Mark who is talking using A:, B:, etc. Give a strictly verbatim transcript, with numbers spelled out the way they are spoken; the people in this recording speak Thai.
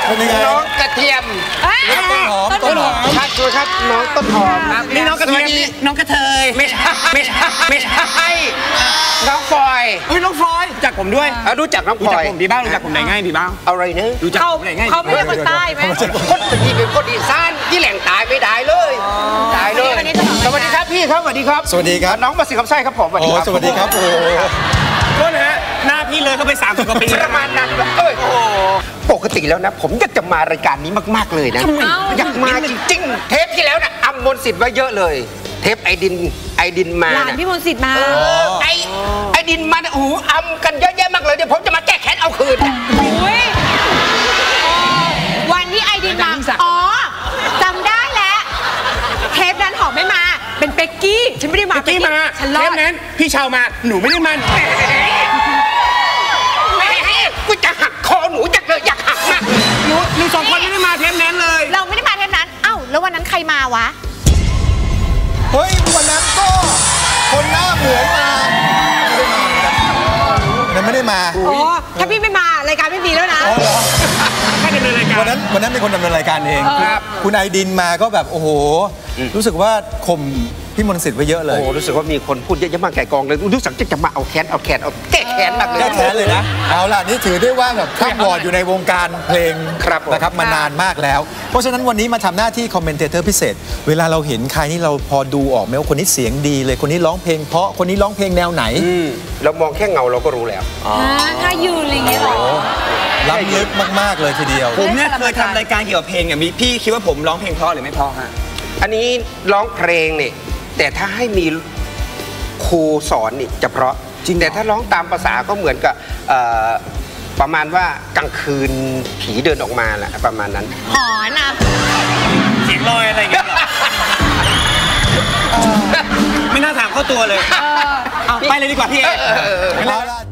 A: น้องกระเทียม
B: ต้นหอมต้นหอม
A: ครับช่วยครับน้องต้นหอม
B: นี่น้องกระเทียมน้องกระเทย
A: ไม่ใช่ไม่ใช่ไม่ใช่น้องฟอย
B: เฮ้ยน้องฟอยรู้จักผมด้วย
A: รู้จักน้องฟอย
B: ผมดีบ้างรู้จักผมไหนง่ายดีบ้าง
A: อะไรเนอะ
B: รู้จักผมไหนง่าย
C: เขาไม่ใช่คนใต้ไหม
A: คนที่เป็นคนอีสานที่แหล่งตายไม่ได้เลยตายเลยสวัสดีครับพี่ครับสวัสดีครับ
D: สวัสดีครับ
A: น้องมาสิคำไส้ครับผม
D: สวัสดีครับโอ้
B: โทษนะฮะหน้าพี่เลยเขาไปสามสิบกว่าปี
A: ประมาณนั้นเอ้ยปกติแล้วนะผมอยากจะมารายการนี้มากๆเลยนะอยากมาจริงๆเทปที่แล้วนะอำมนต์สิทธิ์ไว้เยอะเลยเทปไอดินไอดินมา
C: หลานพี่มนต์สิทธิ์มา
A: ไอไอดินมาโอ้โหอำกันเยอะแยะมากเลยเดี๋ยวผมจะมาแก้แค้นเอาคืน
C: วันที่ไอดินมาอ๋อจำได้แล้วเทปนั้นหอมไม่มาเป็นเป็กกี้ฉันไม่ได้มา
B: เป็กกี้มาเทปนั้นพี่ชาวมาหนูไม่ได้มา
A: กูจะหักคอหนูจะเลยอยากหักมาก
B: หนูหนูสองคนไม่ได้มาเทปนั้นเลย
C: เราไม่ได้มาเทปนั้นเอ้าแล้ววันนั้นใครมาวะ
D: เฮ้ยวันนั้นก็คนหน้าเหมือนมานั้นไม่ได้มา
C: อ๋อถ้าพี่ไม่มารายการไม่มีแล้วนะ
B: แค่ดำเนินรายการ
D: วันนั้นวันนั้นเป็นคนดำเนินรายการเองครับคุณไอดินมาก็แบบโอ้โหรู้สึกว่าข่มพี่มนต์สิทธิ์ไว้เยอะเลย
A: โอ้รู้สึกว่ามีคนพูดเยอะๆมากแก่กองเลยรู้สึกจะมาเอาแค้นเอาแค้นเอาแก้แค้นมากเลย
D: แก้แค้นเลยนะเอาล่ะนี่ถือได้ว่าแบบข้ามวอร์ดอยู่ในวงการเพลงนะครับมานานมากแล้วเพราะฉะนั้นวันนี้มาทำหน้าที่คอมเมนเตอร์พิเศษเวลาเราเห็นใครนี่เราพอดูออกไหมว่าคนนี้เสียงดีเลยคนนี้ร้องเพลงเพราะคนนี้ร้องเพลงแนวไหน
A: เรามองแค่เงาเราก็รู้แล้ว
C: ถ้ายืนอะไรเงี้ยหรอ
D: ล้ำลึกมากๆเลยทีเดียว
B: ผมเนี่ยเคยทำรายการเกี่ยวกับเพลงอ่ะมีพี่คิดว่าผมร้องเพลงเพราะหรือไม่เพราะฮะ
A: อันนี้ร้องเพลงเนี่ยแต่ถ้าให้มีครูสอนนี่จะเพราะจริงแต่ถ้าร้องตามภาษาก็เหมือนกับประมาณว่ากลางคืนผีเดินออกมาแหละประมาณนั้น
C: หอนอ่ะ
B: เสียงลอยอะไรอย่างเงี้ยไม่น่าถามเข้าตัวเลยเอาไปเลยดีกว่าพี่เอ